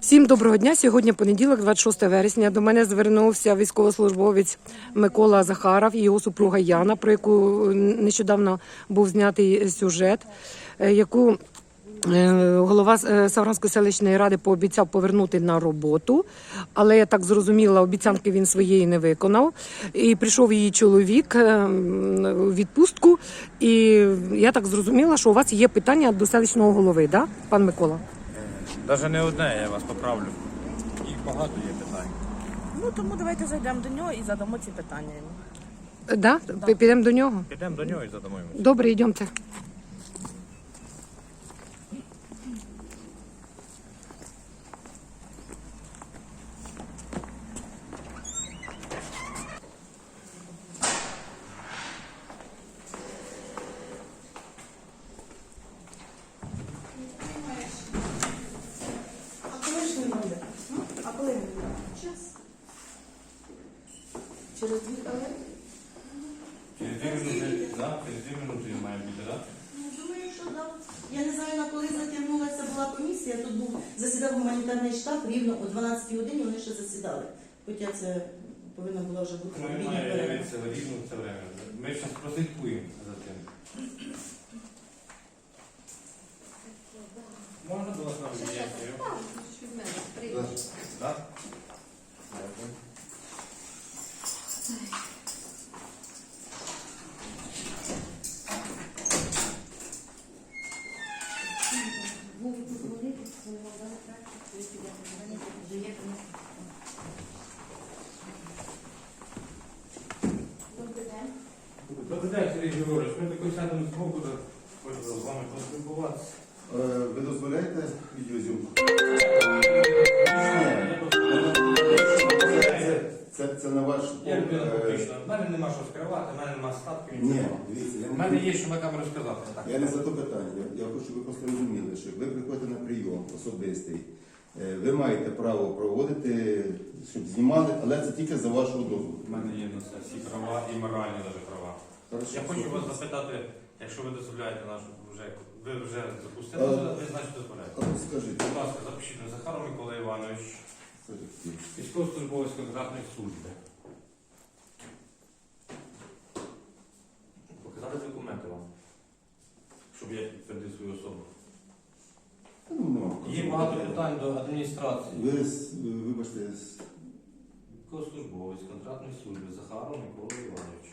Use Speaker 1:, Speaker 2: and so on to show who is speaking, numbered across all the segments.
Speaker 1: Всім доброго дня. Сьогодні понеділок, 26 вересня. До мене звернувся військовослужбовець Микола Захаров і його супруга Яна, про яку нещодавно був знятий сюжет, яку голова Савранської селищної ради пообіцяв повернути на роботу, але я так зрозуміла, обіцянки він своєї не виконав. І прийшов її чоловік у відпустку, і я так зрозуміла, що у вас є питання до селищного голови, да, пан Микола?
Speaker 2: Навіть не одне, я вас поправлю. Їх багато є питань.
Speaker 3: Ну, тому давайте зайдемо до нього і задамо ці питання йому.
Speaker 1: Да? Підемо до нього?
Speaker 2: Підемо до нього і задамо йому.
Speaker 1: Добре, йдемте.
Speaker 3: А коли він буде? Час. Через 2 хвилини?
Speaker 2: Через 2 минути, да? Через 2 минути він має бути, так?
Speaker 4: Ну, думаю, що да. Я не знаю, на коли затягнулася була комісія. Тут засідав гуманітарний штаб, рівно о 12 годині вони ще засідали. Хоча це повинна була вже бути
Speaker 2: Ну, він
Speaker 4: обідня
Speaker 2: має
Speaker 4: перерва.
Speaker 2: явитися рівно в це время. Ми зараз прослідкуємо за тим. Можна до вас нам від'їхати? Так? Дякую. Добрий день, Сергій Григорович. Ми також сядемо з боку, хочемо з вами поспілкуватися.
Speaker 5: Ви дозволяєте відеозйомку? Це на ваш...
Speaker 2: Я людина публічна. В мене нема що скривати, в мене нема статків.
Speaker 5: Ні, дивіться,
Speaker 2: В мене є що на камеру сказати. Так.
Speaker 5: я не за то питання. Я хочу, щоб ви просто розуміли, що ви приходите на прийом особистий. Ви маєте право проводити, щоб знімали, але це тільки за вашого дозволу.
Speaker 2: У мене є на це всі права і моральні навіть права. Я хочу вас запитати, якщо ви дозволяєте нашу вже, ви вже запустили, ви значить дозволяєте.
Speaker 5: Скажіть.
Speaker 2: Будь ласка, запишіть на Захаров Микола Іванович, військовослужбовець контрактної служби. Показати документи вам, щоб я підтвердив свою особу. Є багато питань до адміністрації.
Speaker 5: Вибачте,
Speaker 2: Військовослужбовець контрактної служби Захаров Микола Іванович.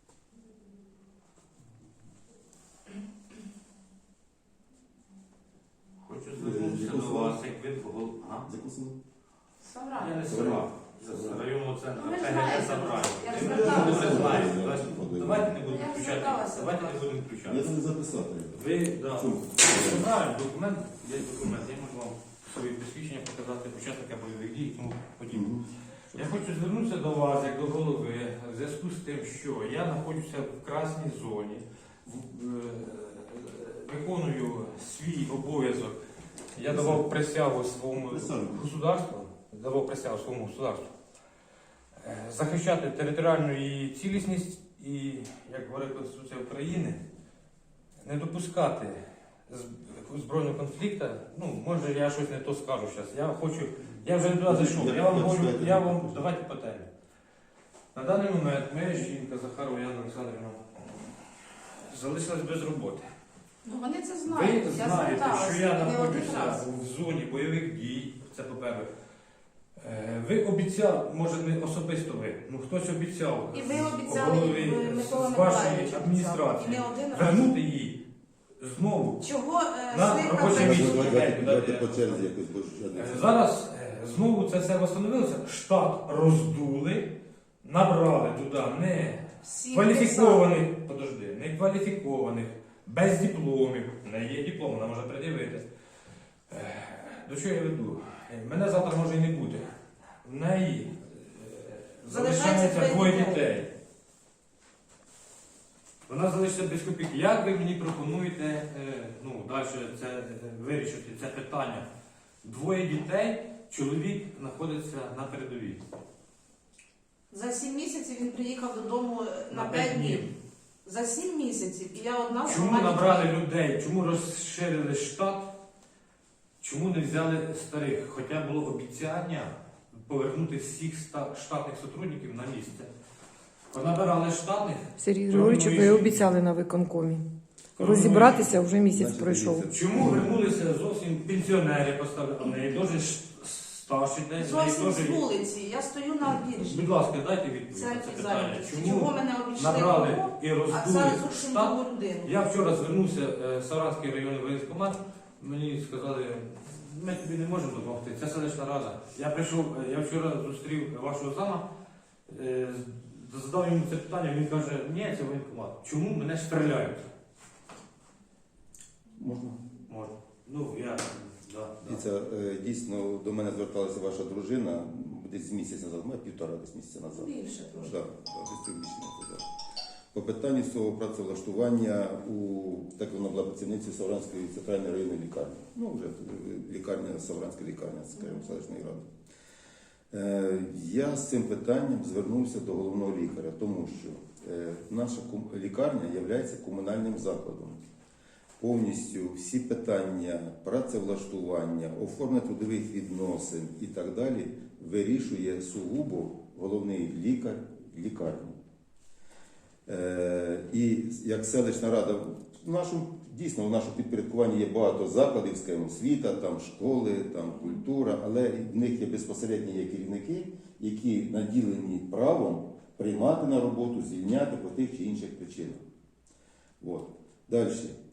Speaker 2: Хочу звернутися до вас, як ви
Speaker 5: закусили?
Speaker 2: Я не села. З районного центру.
Speaker 3: Ну, ви ж
Speaker 2: ПГТ
Speaker 3: знаєте.
Speaker 2: Забрання.
Speaker 3: Я ж
Speaker 2: Ви
Speaker 3: зверталася.
Speaker 2: добре знаєте. Давайте не будемо
Speaker 3: Я ж
Speaker 2: включати.
Speaker 3: зверталася.
Speaker 2: Давайте не будемо
Speaker 5: Я
Speaker 2: включати.
Speaker 5: це не записати.
Speaker 2: Ви, так.
Speaker 5: Чому?
Speaker 2: Правильно, документ, є документ. Я можу вам свої посвідчення показати, учасника бойових дій і тому подібне. Я хочу звернутися до вас, як до голови, в зв'язку з тим, що я знаходжуся в красній зоні, виконую свій обов'язок. Я давав присягу своєму государству, захищати територіальну її цілісність і, як говорить Конституція України, не допускати збройного конфлікту. Ну, може я щось не то скажу зараз. Я вже туди зайшов. Я вам давайте по темі. На даний момент моя жінка Захарова Яна Олександрівна залишилась без роботи.
Speaker 3: Ну, вони це знають.
Speaker 2: Ви
Speaker 3: Я
Speaker 2: знаєте,
Speaker 3: зверталася
Speaker 2: що я
Speaker 3: не один
Speaker 2: знаходжуся
Speaker 3: раз.
Speaker 2: в зоні бойових дій, це по-перше. Ви обіцяв, може не особисто ви, ну хтось обіцяв
Speaker 3: І ви обіцяли,
Speaker 2: голові
Speaker 3: і Микола
Speaker 2: з вашої
Speaker 3: Миколаївич
Speaker 2: адміністрації
Speaker 3: обіцяв. І не один раз.
Speaker 2: вернути її знову.
Speaker 3: Чого
Speaker 2: На
Speaker 3: слідка
Speaker 2: робоче місце.
Speaker 3: працює?
Speaker 5: Давайте по черзі якось боже.
Speaker 2: Зараз знову це все встановилося, штат роздули, набрали туди не
Speaker 3: Всі
Speaker 2: кваліфікованих, не кваліфікованих, без дипломів, не є диплом, вона може пред'явити. До чого я веду? Мене завтра може і не бути. В неї залишається 2 дітей. Вона залишиться без копійки. Як ви мені пропонуєте далі вирішити це питання? 2 дітей, чоловік знаходиться на передовій.
Speaker 3: За 7 місяців він приїхав додому на
Speaker 2: На
Speaker 3: 5
Speaker 2: 5
Speaker 3: днів.
Speaker 2: днів.
Speaker 3: За 7 місяців. І я одна
Speaker 2: Чому
Speaker 3: сама
Speaker 2: набрали
Speaker 3: дітей.
Speaker 2: людей? Чому розширили штат? Чому не взяли старих? Хоча було обіцяння повернути всіх штатних сотрудників на місце. Понабирали штатних.
Speaker 1: Сергій Григорович, ви обіцяли на виконкомі. Розібратися вже місяць
Speaker 5: Значить,
Speaker 1: пройшов.
Speaker 5: дивіться,
Speaker 2: Чому вернулися зовсім пенсіонери поставили? А в неї теж старші десь.
Speaker 3: Зовсім з вулиці. Я стою на біржі.
Speaker 2: Будь ласка, дайте відповідь на
Speaker 3: Центрі
Speaker 2: це питання.
Speaker 3: зайнятості.
Speaker 2: Чому
Speaker 3: Чого мене обійшли
Speaker 2: набрали
Speaker 3: кругом,
Speaker 2: і
Speaker 3: а
Speaker 2: роздули
Speaker 3: зараз зовсім
Speaker 2: штат?
Speaker 3: другу людину?
Speaker 2: Я вчора звернувся в Савранський районний воєнкомат, мені сказали, ми тобі не можемо допомогти, це селищна рада. Я прийшов, я вчора зустрів вашого зама, задав йому це питання, він каже, ні, це воєнкомат. Чому мене стріляють?
Speaker 5: Можна?
Speaker 2: Можна. Ну, я, да.
Speaker 5: Дивіться, дійсно до мене зверталася ваша дружина десь місяць назад, півтора десь місяця назад.
Speaker 3: Більше трошки.
Speaker 5: Да, десь трохи більше назад. По питанню цього працевлаштування так вона була працівницею Савранської центральної районної лікарні. Ну, вже лікарня, Савранська лікарня, скажімо, селищної ради. Я з цим питанням звернувся до головного лікаря, тому що наша лікарня є комунальним закладом. Повністю всі питання працевлаштування, оформлення трудових відносин і так далі вирішує сугубо головний лікар лікарні. І як селищна рада, дійсно в нашому підпорядкуванні є багато закладів, скажімо, освіта, там школи, там культура, але в них є безпосередні керівники, які наділені правом приймати на роботу, звільняти по тих чи інших причинах. От. Далі.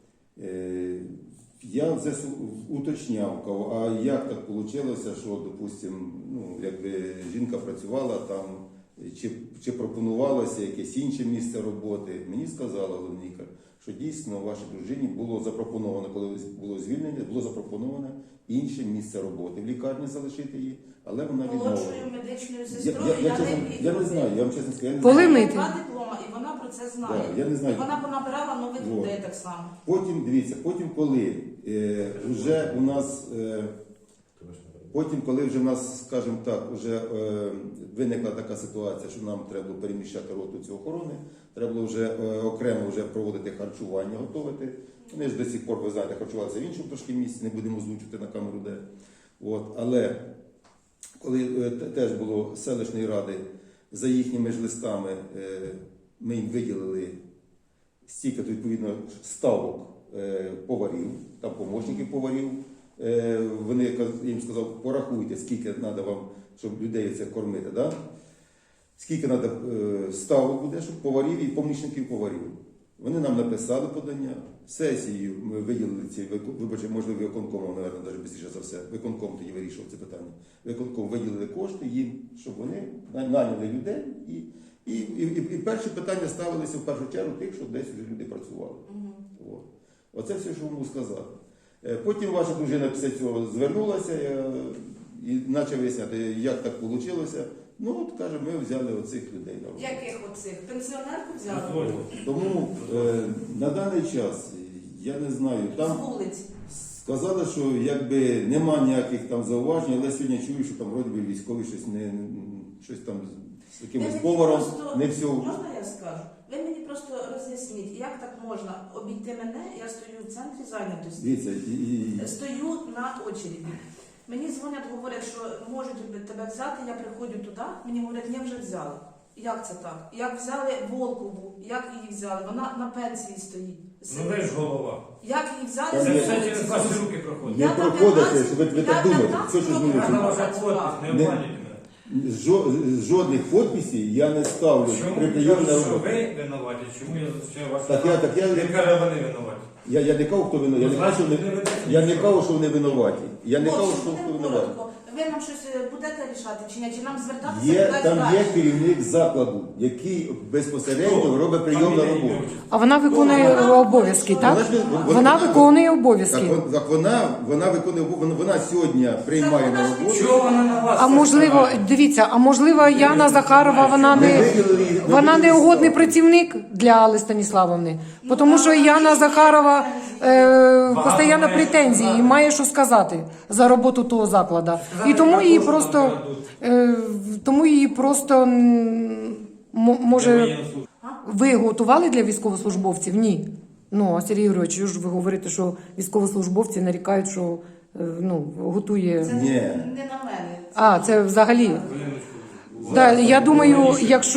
Speaker 5: Я вже уточняв, а як так вийшло, що, допустимо, якби жінка працювала там, чи пропонувалося якесь інше місце роботи. Мені сказала головний лікар, що дійсно вашій дружині було запропоновано, коли було звільнення, було запропоновано інше місце роботи в лікарні залишити її, але вона відмовила.
Speaker 3: Молодшою медичною сестрою
Speaker 5: Я не знаю, я вам чесно скажу, я не
Speaker 1: Коли
Speaker 5: знаю.
Speaker 1: ми-
Speaker 3: Два диплома, і вона про це знає.
Speaker 5: Да, я не знаю.
Speaker 3: І вона понабирала нових
Speaker 5: Вот.
Speaker 3: людей так само.
Speaker 5: Потім, дивіться, коли вже у нас, коли вже в нас, скажімо так, вже виникла така ситуація, що нам треба було переміщати роту цю охорони, треба було вже окремо вже проводити харчування, готувати. Вони ж до сих пор, ви знаєте, харчувалися в іншому трошки місці, не будемо озвучувати на камеру де. От. Але коли теж було з селищної ради, за їхніми ж листами ми їм виділили стільки, відповідно, ставок поварів, там помічників поварів. Вони їм сказав, порахуйте, скільки треба вам, щоб людей це кормити. Да? Скільки треба ставок буде, щоб поварів і помічників поварів. Вони нам написали подання, сесію ми виділили ці, вибачте, можливо, виконкомом, мабуть, навіть більше за все, виконком тоді вирішував це питання. Виконком виділили кошти їм, щоб вони наняли людей і перші питання ставилися в першу чергу тих, що десь вже люди працювали. Оце все, що можу сказати. Потім ваша дружина після цього звернулася і почав виясняти, як так вийшло. Ну, от, каже, ми взяли оцих людей на роботу.
Speaker 3: Яких оцих? Пенсіонерку взяли?
Speaker 5: Тому на даний час, я не знаю,
Speaker 3: З
Speaker 5: там
Speaker 3: вулиці.
Speaker 5: сказали, що якби нема ніяких там зауважень, але сьогодні чую, що там вроді би військові щось там з якимось поваром, не все.
Speaker 3: Можна я скажу? Ви мені просто роз'ясніть, як так можна обійти мене, я стою в центрі зайнятості.
Speaker 5: Дивіться,
Speaker 3: Стою на очереді. Мені дзвонять, говорять, що можуть тебе взяти, я приходжу туди, мені говорять, ні, вже взяли. Як це так? Як взяли Волкову, як її взяли? Вона на пенсії стоїть.
Speaker 2: Ну ви ж голова.
Speaker 3: Як її взяли
Speaker 5: Та
Speaker 3: з
Speaker 2: Це
Speaker 5: ні.
Speaker 2: все
Speaker 3: вулиці?
Speaker 2: через ваші руки проходить.
Speaker 5: Не
Speaker 3: Я там
Speaker 5: проходите,
Speaker 3: 15
Speaker 5: ви так думаєте. Все, що
Speaker 3: років
Speaker 5: зміниться.
Speaker 2: Це ваша
Speaker 3: працювала.
Speaker 2: подпись, не обманюйте мене.
Speaker 5: Жодних підписів я не ставлю
Speaker 2: Чому
Speaker 5: при
Speaker 2: я
Speaker 5: прийомі
Speaker 2: кажу,
Speaker 5: на
Speaker 2: що
Speaker 5: роботу.
Speaker 2: ви винуваті? Чому я зустрічаю вашу
Speaker 5: Так я-
Speaker 2: Він каже, вони винуваті.
Speaker 5: Я не кажу, хто винуватий. Я не кажу, що вони винуваті. Я не кажу, що хто винуватий.
Speaker 3: Ви нам щось будете рішати чи ні? Чи нам звертатися
Speaker 5: Є,
Speaker 3: кудись
Speaker 5: там
Speaker 3: далі?
Speaker 5: є керівник закладу, який безпосередньо робить прийом на роботу.
Speaker 1: А вона виконує обов'язки, так? Вона виконує обов'язки.
Speaker 5: Так вона виконує, вона сьогодні приймає на роботу.
Speaker 2: Чого вона на вас?
Speaker 1: А можливо, дивіться, а можливо, Яна Захарова, вона не угодний працівник для Алли Станіславовни. Тому що Яна Захарова постійно претензії і має що сказати за роботу того закладу. І тому її просто може. Ви готували для військовослужбовців? Ні. Ну, а Сергій Григорович, ви ж ви говорите, що військовослужбовці нарікають, що готує.
Speaker 3: Це
Speaker 5: Ні.
Speaker 3: не на мене.
Speaker 1: А, це взагалі.
Speaker 2: Хвилиночку.
Speaker 1: Да, я думаю,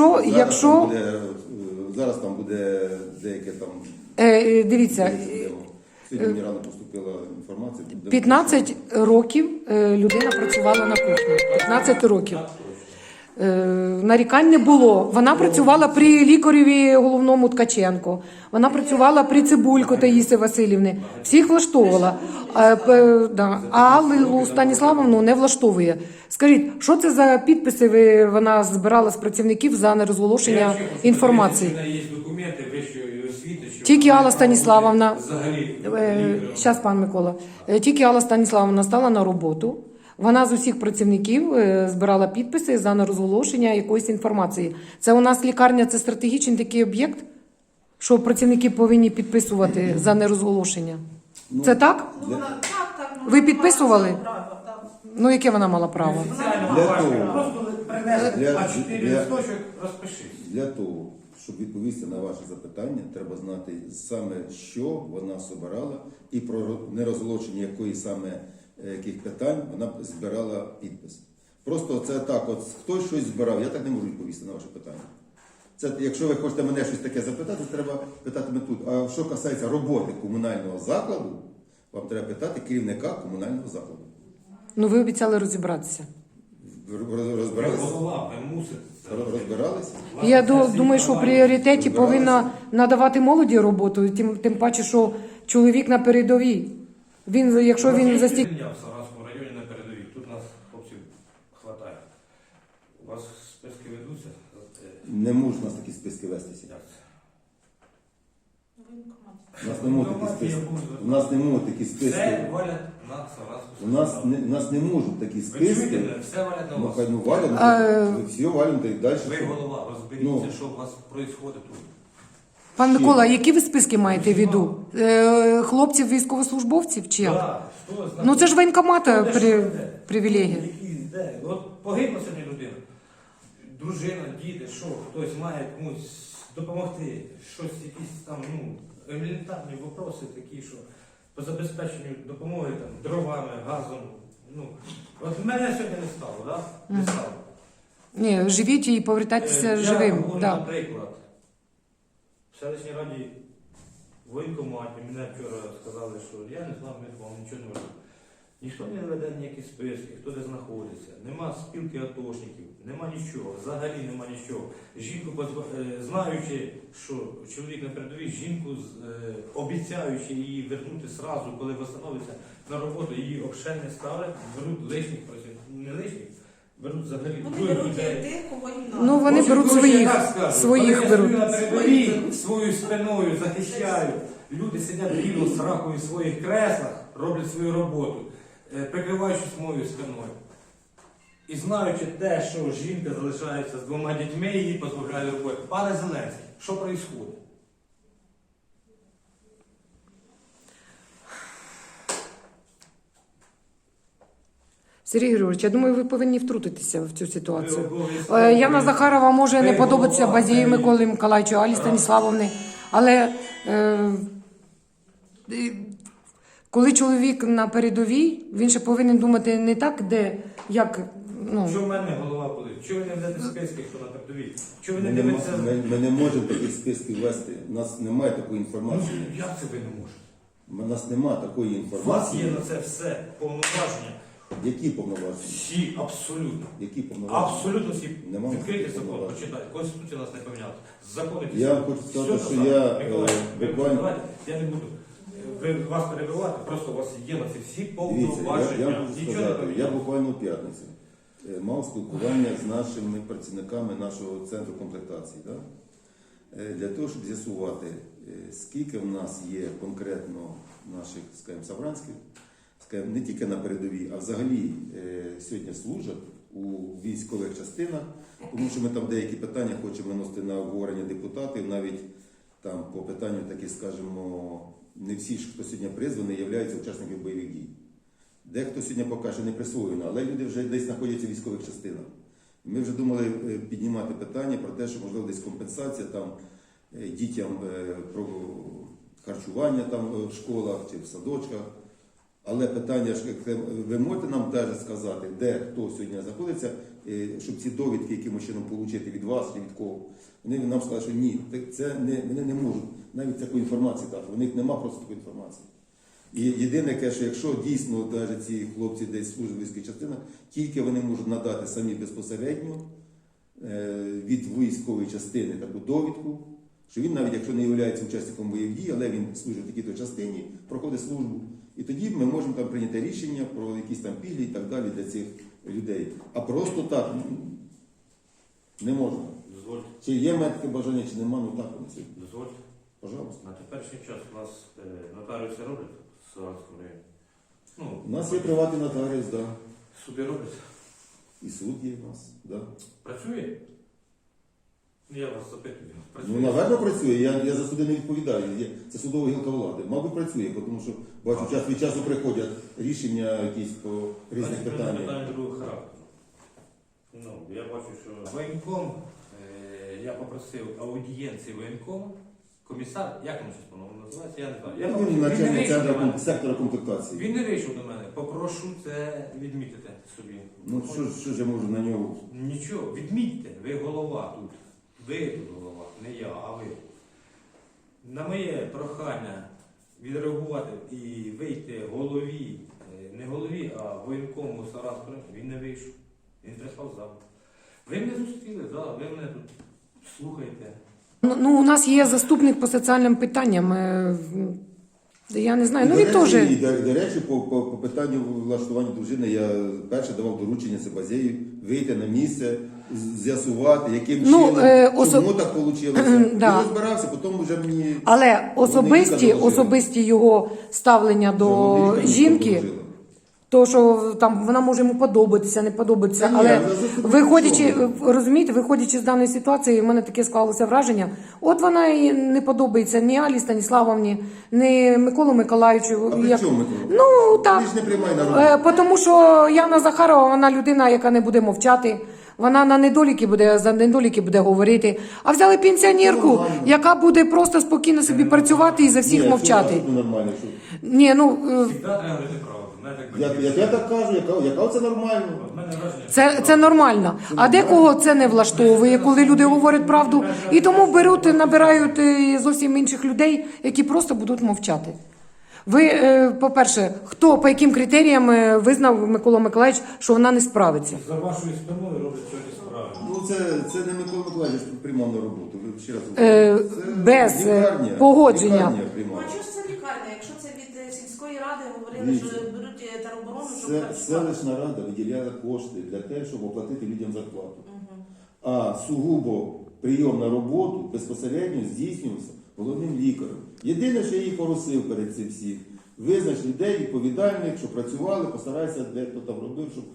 Speaker 5: Зараз там буде деяке там.
Speaker 1: Дивіться,
Speaker 5: Сьогодні мені рано поступила інформація.
Speaker 1: 15 років людина працювала на кухні. 15 років. Нарікань не було. Вона працювала при лікареві головному Ткаченко. Вона працювала при Цибулько Таїси Васильівни. Всіх влаштовувала. А Аллу Станіславовну не влаштовує. Скажіть, що це за підписи вона збирала з працівників за нерозголошення інформації?
Speaker 2: У мене є документи вищої освіти, що
Speaker 1: Тільки Алла Станіславовна,
Speaker 2: взагалі
Speaker 1: зараз, пан Микола, тільки Алла Станіславовна стала на роботу. Вона з усіх працівників збирала підписи за нерозголошення якоїсь інформації. Це у нас лікарня, це стратегічний такий об'єкт, що працівники повинні підписувати за нерозголошення. Це так?
Speaker 3: Ну, вона, так,
Speaker 1: Ви підписували?
Speaker 3: вона мала право, так.
Speaker 1: Ну, яке вона мала право?
Speaker 2: спеціально
Speaker 5: Для
Speaker 2: бачу,
Speaker 5: того.
Speaker 2: просто принесли
Speaker 5: Для-
Speaker 2: А4
Speaker 5: для-
Speaker 2: листочок, розпишись.
Speaker 5: Для того, щоб відповісти на ваше запитання, треба знати саме, що вона собирала і про нерозголошення якої саме яких питань вона збирала підпис. Просто це так, от хтось щось збирав, я так не можу відповісти на ваше питання. Це, якщо ви хочете мене щось таке запитати, треба питати мене тут. А що касається роботи комунального закладу, вам треба питати керівника комунального закладу.
Speaker 1: Ну, ви обіцяли розібратися.
Speaker 5: Розбиралися?
Speaker 2: Голова, ви мусите.
Speaker 5: Розбиралися?
Speaker 1: Я думаю, що в пріоритеті повинна надавати молоді роботу, тим паче, що чоловік на передовій. Якщо він застік...
Speaker 2: Я в Саранському районі на передовій. Тут нас хлопців хватає. У вас списки ведуться?
Speaker 5: Не можуть у нас такі списки вестися.
Speaker 2: Як це?
Speaker 5: У нас не можуть такі списки. У нас не можуть такі
Speaker 2: Все
Speaker 5: списки.
Speaker 2: валять на Саранську.
Speaker 5: У нас не можуть такі
Speaker 2: Ви чуєте
Speaker 5: списки.
Speaker 2: мене? Все валять на
Speaker 5: Ну,
Speaker 2: вас.
Speaker 5: хай ну валять, все валять і далі.
Speaker 2: Ви голова, розберіться, що у вас відбувається тут.
Speaker 1: Пан Микола, які ви списки маєте в виду? Хлопців, військовослужбовців чи як?
Speaker 2: Да, хто знає?
Speaker 1: Ну це ж воєнкомата
Speaker 2: Хто де що веде?
Speaker 1: привілегія.
Speaker 2: Які, де? От погибла сьогодні людина. Дружина, діти, що, хтось має комусь допомогти. Щось, якісь там, елементарні вопроси такі, що по забезпеченню допомоги там, дровами, газом. От мене сьогодні не стало, так? Да? Не стало.
Speaker 1: Ні, живіть і повертайтеся
Speaker 2: Я
Speaker 1: живим.
Speaker 2: говорю,
Speaker 1: Да.
Speaker 2: наприклад, в селищній раді воєнкоматі мене вчора сказали, що я не знав, ми вам нічого не веду. Ніхто не веде ніякі списки, хто де знаходиться. Нема спілки атошників, нема нічого, взагалі нема нічого. Жінку, знаючи, що чоловік на передовій, жінку, обіцяючи її вернути сразу, коли встановиться на роботу, її взагалі не ставлять, беруть лишніх працівників, не лишніх, беруть взагалі
Speaker 3: Вони
Speaker 2: других
Speaker 3: беруть
Speaker 2: людей.
Speaker 3: тих, кого їм
Speaker 1: Ну,
Speaker 3: надо.
Speaker 1: вони беруть своїх
Speaker 2: Вони
Speaker 1: беруть.
Speaker 2: на передовій свою спиною захищають. Люди сидять рівно з ракою в своїх креслах, роблять свою роботу, прикриваючись моєю спиною. І знаючи те, що жінка залишається з 2 дітьми, її позбавляють роботи. Пане Зеленський, що відбувається?
Speaker 1: Сергій Григорович, я думаю, ви повинні втрутитися в цю ситуацію.
Speaker 2: Ви обов'язково
Speaker 1: Яна Захарова може не
Speaker 2: Ви
Speaker 1: подобатися
Speaker 2: голова
Speaker 1: Базію
Speaker 2: цієї-
Speaker 1: Миколі Миколаївичу, Алі Станіславовни, але коли чоловік на передовій, він ще повинен думати не так, як.
Speaker 2: Що в мене голова болить? Чого ви не ведете списки, хто на передовій? Чого ви не
Speaker 5: Ми
Speaker 2: дивитеся?
Speaker 5: ми не можемо таких списків вести. У нас немає такої інформації.
Speaker 2: Як це ви не можете?
Speaker 5: У нас немає такої
Speaker 2: У вас є
Speaker 5: інформації.
Speaker 2: на це все повноваження.
Speaker 5: Які повноваження?
Speaker 2: Всі, абсолютно.
Speaker 5: Які повноваження?
Speaker 2: Абсолютно всі.
Speaker 5: Нема
Speaker 2: Відкрийте
Speaker 5: такого
Speaker 2: закон,
Speaker 5: права.
Speaker 2: почитайте. Конституція нас не поміняла. Закони ті
Speaker 5: Я
Speaker 2: самі.
Speaker 5: хочу сказати,
Speaker 2: Все
Speaker 5: що
Speaker 2: те саме.
Speaker 5: я,
Speaker 2: Миколай, ви
Speaker 5: буквально-
Speaker 2: давайте, я не буду вас перебивати, просто у вас є на це всі
Speaker 5: Дивіться,
Speaker 2: повноваження.
Speaker 5: я хочу
Speaker 2: Нічого не
Speaker 5: сказати, я
Speaker 2: поміняли.
Speaker 5: буквально в п'ятницю мав спілкування з нашими працівниками нашого центру комплектації. Да? Для того, щоб з'ясувати, скільки в нас є конкретно наших, скажімо, савранських, скажімо, не тільки на передовій, а взагалі сьогодні служать у військових частинах, тому що ми там деякі питання хочемо виносити на обговорення депутатів, навіть там по питанню такі, скажімо, не всі ж, хто сьогодні призваний, являються учасниками бойових дій. Дехто сьогодні поки що не присвоєно, але люди вже десь знаходяться в військових частинах. Ми вже думали піднімати питання про те, що можливо десь компенсація там дітям про харчування там в школах чи в садочках. Але питання ж, ви можете нам теж сказати, де хто сьогодні знаходиться, щоб ці довідки якимось чином отримати від вас чи від кого. Вони нам сказали, що ні, вони не можуть навіть таку інформацію дати. У них немає просто такої інформації. І єдине, що якщо дійсно навіть ці хлопці десь служать в військових частинах, тільки вони можуть надати самі безпосередньо від військової частини таку довідку, що він навіть якщо не є учасником бойових дій, але він служить в такій-то частині, проходить службу. І тоді ми можемо там прийняти рішення про якісь там пільги і так далі для цих людей. А просто так не можна.
Speaker 6: Дозвольте,
Speaker 5: Чи є в мене таке бажання, чи нема, ну так вони сьогодні.
Speaker 6: дозвольте.
Speaker 5: Пожалуйста.
Speaker 6: На теперішній час у нас нотаріуси роблять в Саранському районі. Ну,
Speaker 5: У нас є приватний нотаріус, да.
Speaker 6: суди роблять.
Speaker 5: І суд є в нас, да.
Speaker 6: Працює? Ну, я вас запитую. Працює?
Speaker 5: Ну, напевно, працює. Я за суди не відповідаю. Це судова гілка влади. Мабуть, працює, тому що бачу, час від часу приходять рішення якісь по різних питаннях.
Speaker 6: Питання другого характеру. Ну, я бачу, що воєнком, я попросив аудієнції воєнкома, комісар, як він щось по-новому називається, я не знаю. Я
Speaker 5: Він
Speaker 6: попросив,
Speaker 5: начальник
Speaker 6: не вийшов до мене.
Speaker 5: сектора комплектації.
Speaker 6: Він не вийшов до мене. Попрошу це відмітити собі.
Speaker 5: Ну, що ж я можу на нього?
Speaker 6: Нічого, відмітьте, ви голова тут. Ви тут голова, не я, а ви. На моє прохання відреагувати і вийти голові, не голові, а воєнкому Саранського, він не вийшов. Він прислав запит. Ви мене зустріли, да, ви мене тут слухаєте.
Speaker 1: Ну, у нас є заступник по соціальним питанням. Я не знаю, ну він теж.
Speaker 5: До речі, по питанню влаштування дружини я перше давав доручення це Базею вийти на місце, з'ясувати, яким чином, чому так вийшло.
Speaker 1: Да.
Speaker 5: Я розбирався, потім вже мені...
Speaker 1: Але особисті його ставлення до жінки, то що там вона може йому подобатися, не подобатися.
Speaker 5: Та ні,
Speaker 1: Але
Speaker 5: я за
Speaker 1: виходячи,
Speaker 5: заступником.
Speaker 1: розумієте, виходячи з даної ситуації, в мене таке склалося враження. От вона і не подобається ні Алі Станіславовні, ні Миколу Миколаївичу.
Speaker 5: А при чому, Микола?
Speaker 1: Ну так.
Speaker 5: Ти ж не приймай на роботу.
Speaker 1: Тому що Яна Захарова, вона людина, яка не буде мовчати. Вона на за недоліки буде говорити. А взяли пенсіонерку,
Speaker 5: Нормально.
Speaker 1: яка буде просто спокійно собі працювати і за всіх
Speaker 5: Ні,
Speaker 1: мовчати.
Speaker 5: що нормально, що...
Speaker 1: Ні, ну
Speaker 6: Завжди треба говорити правду.
Speaker 5: Я так кажу, яка це нормально?
Speaker 6: От мене враження.
Speaker 1: це нормально. А декого це не влаштовує, коли люди говорять правду. І тому набирають зовсім інших людей, які просто будуть мовчати. Ви, по-перше, по яким критеріям визнав Микола Миколаївич, що вона не справиться?
Speaker 6: За вашою спиною роблять щось справи.
Speaker 5: Ну, це не Микола Миколаївич приймав на роботу. Ви ще раз
Speaker 1: Без
Speaker 5: лікарня,
Speaker 1: погодження.
Speaker 5: лікарня
Speaker 3: Ну
Speaker 5: приймала.
Speaker 3: а чого ж це лікарня? Якщо це від сільської ради говорили,
Speaker 5: Дивіться.
Speaker 3: що беруть тероборону, щоб
Speaker 5: Це
Speaker 3: працювати.
Speaker 5: селищна рада виділяла кошти для того, щоб оплатити людям зарплату. А сугубо прийом на роботу безпосередньо здійснювався головним лікарем. Єдине, що я її поросив перед цим всім, визнач людей відповідальних, що працювали, постарайся, де хто там робив, щоб...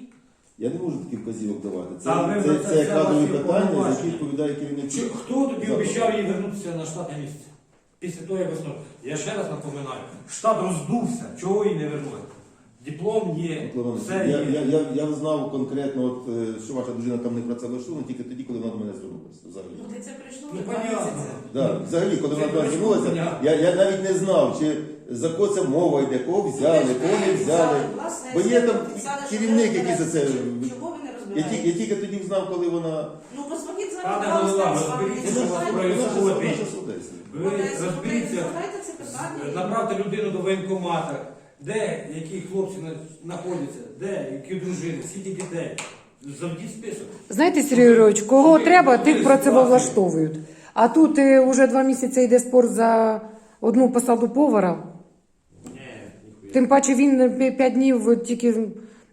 Speaker 5: Я не можу таких вказівок давати. Це кадрові питання, за які відповідає керівник.
Speaker 6: Хто тобі обіцяв їй вернутися на штатне місце? Після того, як весною. Я ще раз напоминаю, штат роздувся, чого їй не вернули? Диплом є, все є.
Speaker 5: Я знав конкретно, що ваша дружина там не працевлаштована тільки тоді, коли вона до мене звернулася. Взагалі.
Speaker 3: Ну, ти це прийшло
Speaker 6: Ну,
Speaker 3: вже 2
Speaker 6: понятно.
Speaker 3: місяці.
Speaker 5: Да, взагалі, коли вона до мене
Speaker 6: Це
Speaker 5: звернулася,
Speaker 6: понятно.
Speaker 5: я навіть не знав, чи за кого це мова йде, кого взяли, кого не взяли.
Speaker 3: Власне,
Speaker 5: Бо є там
Speaker 3: писали, що
Speaker 5: керівник,
Speaker 3: ви
Speaker 5: який за це.
Speaker 3: розбираєтеся. Чого ви не
Speaker 5: Я
Speaker 3: розбираєтеся?
Speaker 5: тільки тоді знав, коли вона.
Speaker 3: Ну, позвоніть зараз
Speaker 6: Пане
Speaker 3: до
Speaker 6: голова,
Speaker 3: вас,
Speaker 6: розберіться,
Speaker 3: вам
Speaker 6: що вас
Speaker 3: не
Speaker 6: проїзд.
Speaker 3: знають.
Speaker 5: Наша судеться.
Speaker 6: Ви розберіться,
Speaker 3: Задайте це питання.
Speaker 6: направте людину до воєнкомата, де які хлопці знаходяться, де які дружини, скільки дітей. Завдіть список.
Speaker 1: Знаєте, Сергій Юрійович, кого треба, тих працевлаштовують. А тут уже 2 місяці йде спор за одну посаду повара.
Speaker 6: Ні, ніхуя.
Speaker 1: Тим паче він 5 днів тільки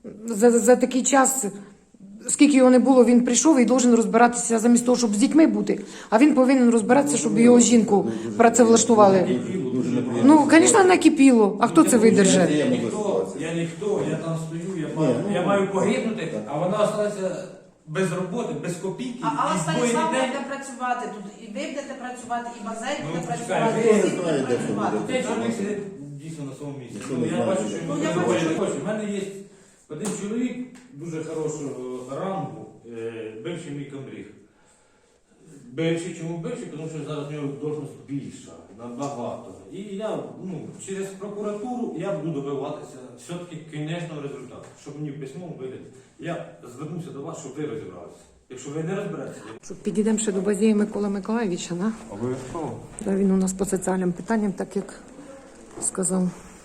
Speaker 1: за такий час, скільки його не було, він прийшов і должен розбиратися замість того, щоб з дітьми бути. А він повинен розбиратися, щоб його жінку працевлаштували.
Speaker 5: Дуже неприємно.
Speaker 1: Ну, звісно, накипіло. А хто це видержить?
Speaker 6: Я ніхто, я там стою, я маю погибнути, а вона залишиться без роботи, без копійки.
Speaker 3: А Алла
Speaker 6: і двоє
Speaker 3: Станіславовна
Speaker 6: дітей.
Speaker 3: буде працювати тут. І ви будете працювати, і Базей
Speaker 6: Ну,
Speaker 3: буде
Speaker 6: почекай,
Speaker 3: працювати,
Speaker 6: ви
Speaker 3: і всі
Speaker 5: знаєте,
Speaker 3: будуть
Speaker 5: що
Speaker 3: працювати.
Speaker 5: буде.
Speaker 6: Цей чоловік сидить дійсно на своєму місці.
Speaker 5: Ніхто
Speaker 6: Ну,
Speaker 5: не
Speaker 6: я
Speaker 5: знає,
Speaker 6: бачу,
Speaker 5: що
Speaker 6: що
Speaker 3: Ну,
Speaker 6: він
Speaker 3: я
Speaker 6: доволі
Speaker 3: бачу,
Speaker 6: не хоче. У мене є один чоловік дуже хорошого рангу, бивший мій комріг. Бивший, чому бивший? Тому що зараз в нього должність більша. набагато. І я через прокуратуру я буду добиватися все-таки кінечного результату, щоб мені в письмовому вигляді. Я звернуся до вас, щоб ви розібралися. Якщо ви не розберетеся,
Speaker 1: Підійдемо ще до Базії Миколи Миколаєвича, да?
Speaker 6: обов'язково.
Speaker 1: Да, він у нас по соціальним питанням, так як сказав.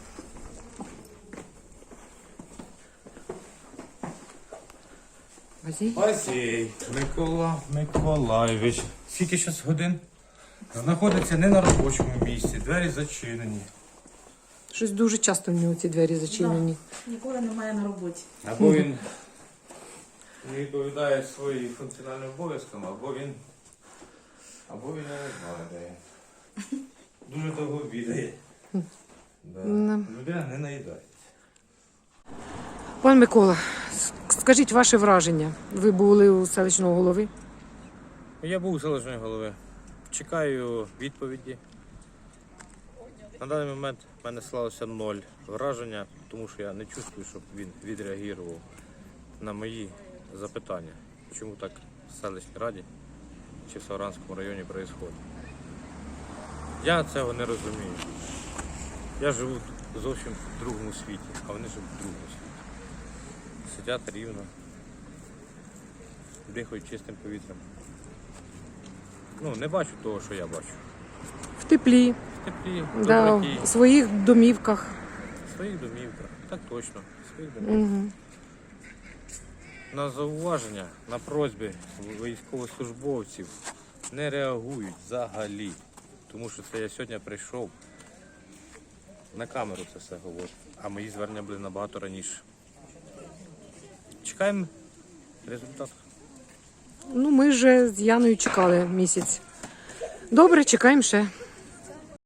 Speaker 1: Базій?
Speaker 2: Базій Микола Миколаєвич. Скільки зараз годин? Знаходиться не на робочому місці, двері зачинені.
Speaker 1: Щось дуже часто в нього ці двері зачинені.
Speaker 3: Ніколи немає на роботі.
Speaker 2: Або він не відповідає своїм функціональним обов'язкам, або він я не знаю, де він. Дуже того бідає. Да. Людина не наїдається.
Speaker 1: Пан Микола, скажіть ваше враження. Ви були у селищного голови?
Speaker 6: Я був у селищної голови. Чекаю відповіді. На даний момент в мене склалося 0 враження, тому що я не чувствую, щоб він відреагував на мої запитання, чому так в селищній раді чи в Савранському районі відбувається. Я цього не розумію. Я живу зовсім в другому світі, а вони живуть в другому світі. Сидять рівно, дихають чистим повітрям. Не бачу того, що я бачу.
Speaker 1: В теплі,
Speaker 6: В теплі,
Speaker 1: да,
Speaker 6: доброті,
Speaker 1: у своїх домівках.
Speaker 6: в своїх домівках. Так точно, в своїх домівках.
Speaker 1: Угу.
Speaker 6: На зауваження, на просьби військовослужбовців не реагують взагалі. Тому що це я сьогодні прийшов на камеру це все говорю, а мої звернення були набагато раніше. Чекаємо результат.
Speaker 1: Ми вже з Яною чекали місяць. Добре, чекаємо ще.